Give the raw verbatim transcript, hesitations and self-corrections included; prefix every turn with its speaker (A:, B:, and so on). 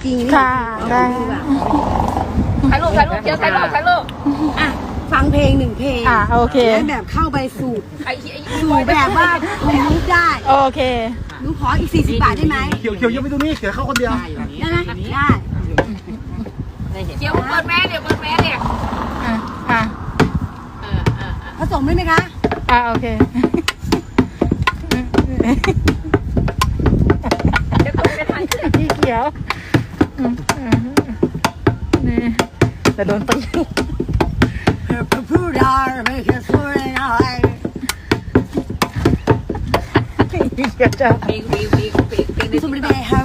A: ริง
B: ค่ะได้
C: ถ่ายรูปถ่ายรูปเดี๋ยวถ่ายรูปถ่ายรูป
A: อ่ะฟังเพลงหนึ่งเพลง
B: อ่ะโอเค
A: แล้วแบบเข้าไปสู่
C: ไอ้ไอ้
A: สู่แบบว่าคุณลุกได้
B: โอเค
A: หนูขออีกสี่สิบบาทได้ไหม
D: เขียวเขียวยังไม่ตรงนี้เขียวเข้าคนเดียว
A: ได้ไหมได้
C: เดี๋ยวเปิดแม่เดี๋ยวเปิดแม่เนี่ย
B: อ่ะอ่ะ
C: เออเออ
A: ผสมได้ไหมคะ
B: อ่ะโอเค
C: เดี๋ยวตกไปทางขึ้น
B: พี่เขียวอืมอืมนี่แต่โดนตี
A: พูดได้ไม่เคยพูดได้
B: พี่เขียวจะ
C: เพลงเพลงเพลงเพลงเพลงใน
A: สม
C: ติ๊
A: ม
C: ก
A: ติ
C: ต็อก
A: ไปหา